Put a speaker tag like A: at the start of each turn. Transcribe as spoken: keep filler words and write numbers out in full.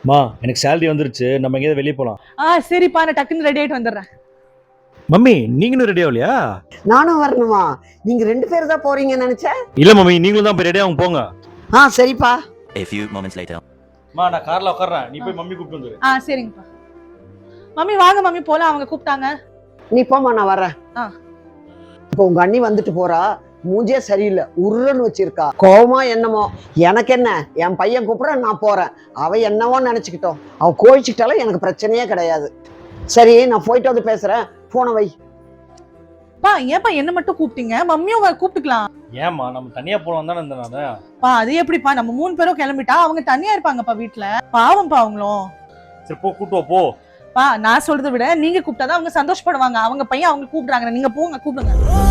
A: மா எனக்கு சேலரி வந்துருச்சு, நம்ம எங்கேயாவது வெளியே போலாம்.
B: ஆ சரிப்பா, நான் டக்குன்னு ரெடி ஆயிட்டு வந்துடுறேன்.
A: மம்மி நீங்களும் ரெடி ஆகலையா?
C: நானும் வரணுமா? நீங்க ரெண்டு பேர் தான் போறீங்கன்னு நினைச்சேன்.
A: இல்ல மம்மி, நீங்களும் தான் போய் ரெடி ஆகும் போங்க.
C: ஆ சரிப்பா.
D: A few moments later.
A: மா நான் கார்ல உட்கார்றேன், நீ போய் மம்மி கூப்பிட்டு வந்துரு.
B: ஆ சரிங்கப்பா. மம்மி வாங்க மம்மி போலாம், அவங்க கூப்பிட்டாங்க.
C: நீ போமா, நான் வரேன்.
B: ஆ.
C: இப்போ உங்க அண்ணி வந்துட்டு போறா, மூஞ்சே சரியில்லை, உருன்னு வச்சிருக்கா. கோவமா என்னமோ, எனக்கு என்ன, என் பையன் கூப்பிட நான் போறேன். அவ என்னவோ நினைச்சுக்கிட்டோம், அவ கோழிச்சுக்கிட்டாலும் எனக்கு பிரச்சனையே கிடையாது. சரி, நான் போயிட்டு வந்து பேசுறேன், போன வை.
B: பா ஏன்பா என்ன மட்டும் கூப்பிட்டீங்க? மம்மியும் வ- கூப்பிட்டுக்கலாம்.
A: ஏமா நம்ம தனியா போலாம் தானே இருந்தேன் நானு.
B: பா அது எப்படிப்பா, நம்ம மூணு பேரும் கிளம்பிட்டா அவங்க தனியா இருப்பாங்கப்பா வீட்டுல. பாவம்ப்பா அவங்களும்.
A: சரி போ, கூட்டு வா, போ.
B: பா நான் சொல்றதை விட நீங்க கூப்பிட்டாதான் அவங்க சந்தோஷப்படுவாங்க. அவங்க பையன் அவங்க கூப்பிடுறாங்க, நீங்க போங்க கூப்பிடுங்க.